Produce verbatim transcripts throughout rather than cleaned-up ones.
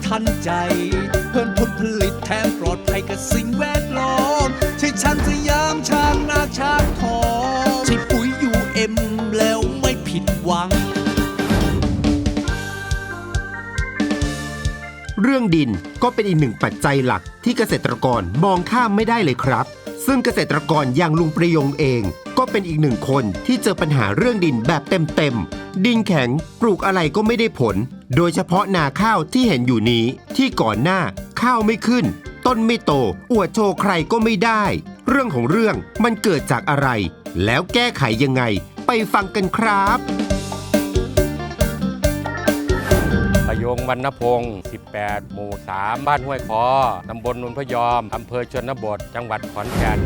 ทันใจเพิ่มผลผลิตแถมปลอดภัยกับสิ่งแวดล้อมใช่ช้างสยามช้างนาช้างทองใช่ปุ๋ยยูเอ็มแล้วไม่ผิดหวังเรื่องดินก็เป็นอีกหนึ่งปัจจัยหลักที่เกษตรกรมองข้ามไม่ได้เลยครับซึ่งเกษตรกรอย่างลุงประยงเองก็เป็นอีกหนึ่งคนที่เจอปัญหาเรื่องดินแบบเต็มๆดินแข็งปลูกอะไรก็ไม่ได้ผลโดยเฉพาะนาข้าวที่เห็นอยู่นี้ที่ก่อนหน้าข้าวไม่ขึ้นต้นไม่โตอวดโชว์ใครก็ไม่ได้เรื่องของเรื่องมันเกิดจากอะไรแล้วแก้ไขยังไงไปฟังกันครับประยงวรรณพงศ์สิบแปด หมู่ สาม บ้านห้วยคอตำบลนนพยอมอำเภอชนบทจังหวัดขอนแก่น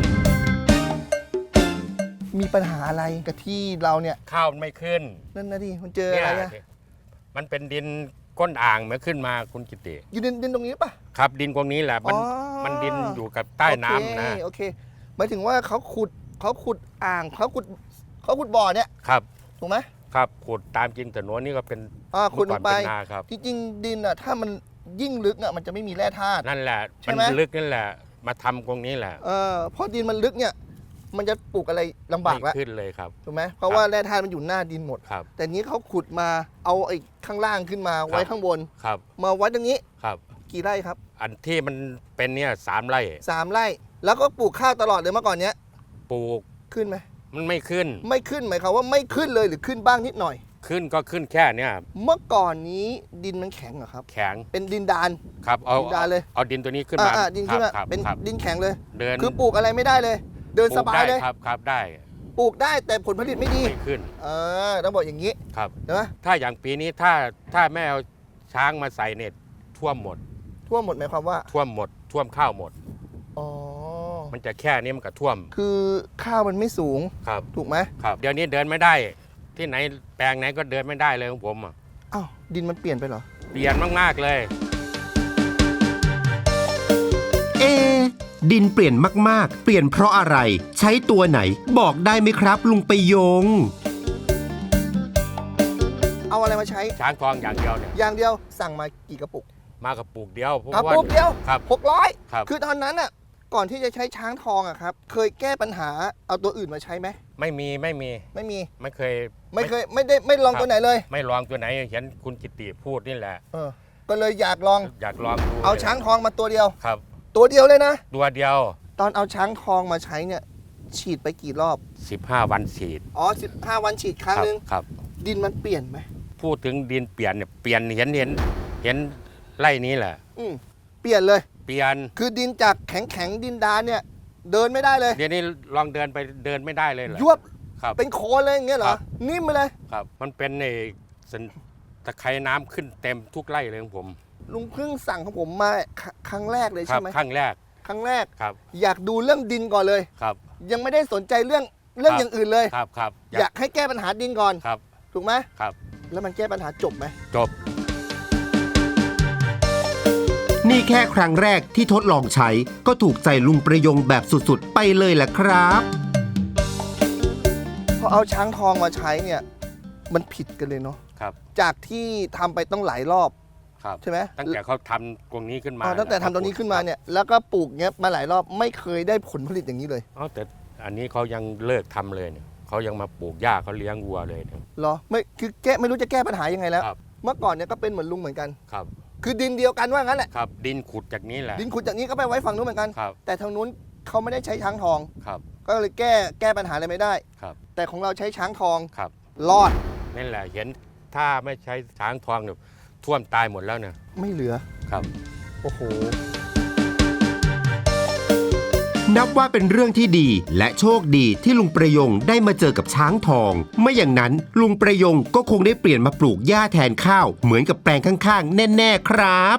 มีปัญหาอะไรกับที่เราเนี่ยข้าวไม่ขึ้นนั่นนะดิมันเจออะไรอะมันเป็นดินก้นอ่างเมื่อขึ้นมาคุณกิติอยู่ดินดินตรงนี้ปะครับดินตรงนี้แหละมันมันดินอยู่กับใต้น้ำนะโอเคหมายถึงว่าเขาขุดเขาขุดอ่างเขาขุดเขาขุดบ่อเนี่ยครับถูกไหมครับขุดตามจริงแต่โน้นนี่ก็เป็นอ่าขุดลงไปครับจริงๆดินอ่ะถ้ามันยิ่งลึกอ่ะมันจะไม่มีแร่ธาตุนั่นแหละมันลึกนั่นแหละมาทำตรงนี้แหละเออพอดินมันลึกเนี่ยมันจะปลูกอะไรลำบากแล้วขึ้นเลยครับถูกไหมเพราะว่าแร่ธาตุมันอยู่หน้าดินหมดครับแต่นี้เขาขุดมาเอาไอ้ข้างล่างขึ้นมาไว้ข้างบนครับมาไว้ตรงนี้ครับกี่ไร่ครับอันที่มันเป็นเนี่ยสามไร่สามไร่แล้วก็ปลูกข้าวตลอดเลยเมื่อก่อนเนี้ยปลูกขึ้นไหมมันไม่ขึ้นไม่ขึ้นหมายความว่าไม่ขึ้นเลยหรือขึ้นบ้างนิดหน่อยขึ้นก็ขึ้นแค่เนี้ยเมื่อก่อนนี้ดินมันแข็งเหรอครับแข็งเป็นดินดานครับเอาดินดานเลยเอาดินตัวนี้ขึ้นมาดินขึ้นมาเป็นดินแข็งเลยเดินคือปลูกอะไรไม่ได้เลยเดินสบายเลยครับครับได้ปลูกได้แต่ผลผลิตไม่ดีไม่ขึ้นเออต้องบอกอย่างนี้ครับเห็นไหมถ้าอย่างปีนี้ถ้าถ้าแม่เอาช้างมาใส่เน็ตท่วมหมดท่วมหมดหมายความว่าท่วมหมดท่วมข้าวหมดอ๋อมันจะแค่นี้มันก็ท่วมคือข้าวมันไม่สูงครับถูกไหมครับเดี๋ยวนี้เดินไม่ได้ที่ไหนแปลงไหนก็เดินไม่ได้เลยของผมอ่ะอ้าวดินมันเปลี่ยนไปเหรอเปลี่ยนมากๆเลยเอดินเปลี่ยนมากๆเปลี่ยนเพราะอะไรใช้ตัวไหนบอกได้ไหมครับลุงประยงเอาอะไรมาใช้ช้างทองอย่างเดียวเนี่ยอย่างเดียวสั่งมากี่กระปุกมากระปุกเดียวกระปุกเดียวครับหกร้อยครับคือตอนนั้นอ่ะก่อนที่จะใช้ช้างทองอะครับเคยแก้ปัญหาเอาตัวอื่นมาใช้ไหมไม่มีไม่มีไม่มีไม่เคยไม่เคยไม่ได้ไม่ลองตัวไหนเลยไม่ลองตัวไหนเห็นคุณกิติพูดนี่แหละเออก็เลยอยากลองอยากลองดูเอาช้างทองมาตัวเดียวครับตัวเดียวเลยนะตัวเดียวตอนเอาช้างทองมาใช้เนี่ยฉีดไปกี่รอบสิบห้าวันฉีดอ๋อสิบห้าวันฉีดครั้งนึงครับดินมันเปลี่ยนไหมพูดถึงดินเปลี่ยนเนี่ยเปลี่ยนเห็นเห็นเห็นไร่นี้แหละอืมเปลี่ยนเลยเปลี่ยนคือดินจากแข็งแข็งดินดานเนี่ยเดินไม่ได้เลยเดี๋ยวนี้ลองเดินไปเดินไม่ได้เลยเหรอยวบครับเป็นโคลนเลยอย่างเงี้ยเหรอนิ่มไปเลยครับมันเป็นในตะไคร่น้ำขึ้นเต็มทุกไร่เลยของผมลุงเพิ่งสั่งของผมมาครั้งแรกเลยใช่ไหมครั้งแรกครั้งแรกครับอยากดูเรื่องดินก่อนเลยครับยังไม่ได้สนใจเรื่องเรื่องอย่างอื่นเลยครับครับอยากให้แก้ปัญหาดินก่อนครับถูกไหมครับแล้วมันแก้ปัญหาจบไหมจบนี่แค่ครั้งแรกที่ทดลองใช้ก็ถูกใจลุงประยงแบบสุดๆไปเลยแหละครับพอเอาช้างทองมาใช้เนี่ยมันผิดกันเลยเนาะครับจากที่ทำไปต้องหลายรอบใช่ไหมตั้งแต่เขาทำตรงนี้ขึ้นมาตั้งแต่ทำตรงนี้ขึ้นมาเนี่ยแล้วก็ปลูกเงี้ยมาหลายรอบไม่เคยได้ผลผลิตอย่างนี้เลยอ๋อแต่อันนี้เขายังเลิกทำเลยเนี่ยเขายังมาปลูกหญ้าเขาเลี้ยงวัวเลยเนี่ยเหรอไม่คือแก้ไม่รู้จะแก้ปัญหายังไงแล้วเมื่อก่อนเนี่ยก็เป็นเหมือนลุงเหมือนกันครับคือดินเดียวกันว่างั้นแหละครับดินขุดจากนี้แหละดินขุดจากนี้ก็ไปไว้ฝั่งนู้นเหมือนกันแต่ทางนู้นเขาไม่ได้ใช้ช้างทองครับก็เลยแก้แก้ปัญหาอะไรไม่ได้ครับแต่ของเราใช้ช้างทองครับรอดนั่นแหละเห็นถ้าไม่ใช้ช้างทองเนี่ยท่วมตายหมดแล้วเนี่ยไม่เหลือครับโอ้โหนับว่าเป็นเรื่องที่ดีและโชคดีที่ลุงประยงได้มาเจอกับช้างทองไม่อย่างนั้นลุงประยงก็คงได้เปลี่ยนมาปลูกหญ้าแทนข้าวเหมือนกับแปลงข้างๆแน่ๆครับ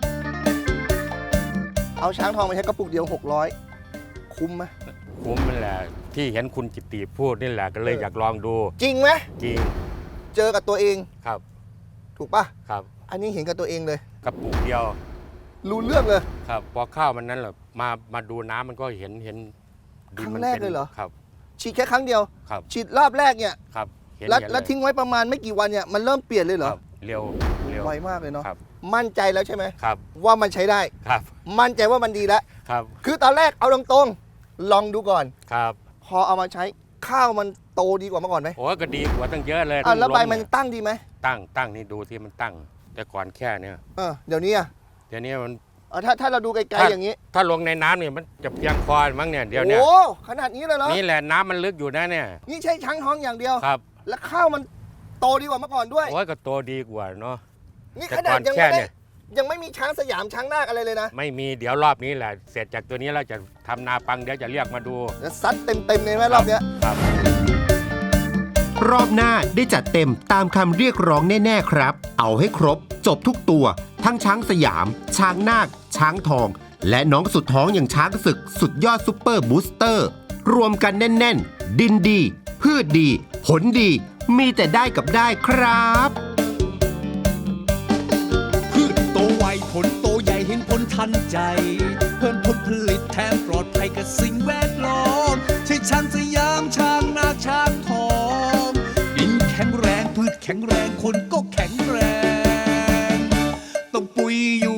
เอาช้างทองมาใช้กระปุกเดียวหกร้อยคุ้มไหมคุ้มนั่นแหละที่เห็นคุณกิติพูดนี่แหละก็เลยอยากลองดูจริงไหมจริงเจอกับตัวเองครับถูกป่ะครับอันนี้เห็นกับตัวเองเลยกระปุกเดียวรู้เรื่องเลยครับพอข้าวมันนั้นแหละมามาดูน้ำมันก็เห็นเห็นครั้งแรกเลยเหรอครับฉีดแค่ครั้งเดียวครับฉีดรอบแรกเนี่ยครับแล้วแล้วทิ้งไว้ประมาณไม่กี่วันเนี่ยมันเริ่มเปลี่ยนเลยเหรอเร็วเร็วไวมากเลยเนาะครับมั่นใจแล้วใช่ไหมครับว่ามันใช้ได้ครับมั่นใจว่ามันดีแล้วครับคือตอนแรกเอาตรงๆลองดูก่อนครับพอเอามาใช้ข้าวมันโตดีกว่าเมื่อก่อนไหมโอ้ก็ดีกว่าตั้งเยอะเลยอ่ะแล้วใบล้มันเยตั้งดีไหมตั้งตั้งนี่ดูที่มันตั้ง แต่ก่อนแค่เนี้ยเออเดี๋ยวนี้อ่ะเดี๋ยวนี้มันเออถ้าถ้าเราดูไกลถ้าๆอย่างนี้ถ้าลงในน้ำเนี่ยมันจะเพียงพอมั้งเนี่ยเดี๋ยวเนี้ยโอ้ขนาดนี้เลยเหรอนี่แหละน้ำมันลึกอยู่นะเนี่ยนี่ใช้ช้างท้องอย่างเดียวครับแล้วข้าวมันโตดีกว่าเมื่อก่อนด้วยโอ้ยก็โตดีกว่าเนาะนี่แต่ขนาก่ดอนยังแค่ไม่เนี่ได้ยยังไม่มีช้างสยามช้างนาคอะไรเลยนะไม่มีเดี๋ยวรอบนี้แหละเสร็จจากตัวนี้เราจะทำนาปังเดี๋ยวจะเรียกมาดูแล้วซัดเต็มๆเลยไหมรอบเนี้ยครับรอบหน้าได้จัดเต็มตามคำเรียกร้องแน่ๆครับ เอาให้ครบจบทุกตัว ทั้งช้างสยาม ช้างนาค ช้างทอง และน้องสุดท้องอย่างช้างศึกสุดยอดซุปเปอร์บูสเตอร์ รวมกันแน่นๆ ดินดี พืชดี ผลดี มีแต่ได้กับได้ครับพืชโตไวผลโตใหญ่เห็นผลทันใจ เพิ่มผลผลิตแถมปลอดภัยกับสิ่งแวดล้อมใช่ช้างสยามช้างนาคช้างทองดินแข็งแรงพืชแข็งแรงคนก็แข็งแรง ต้องปุ๋ยยู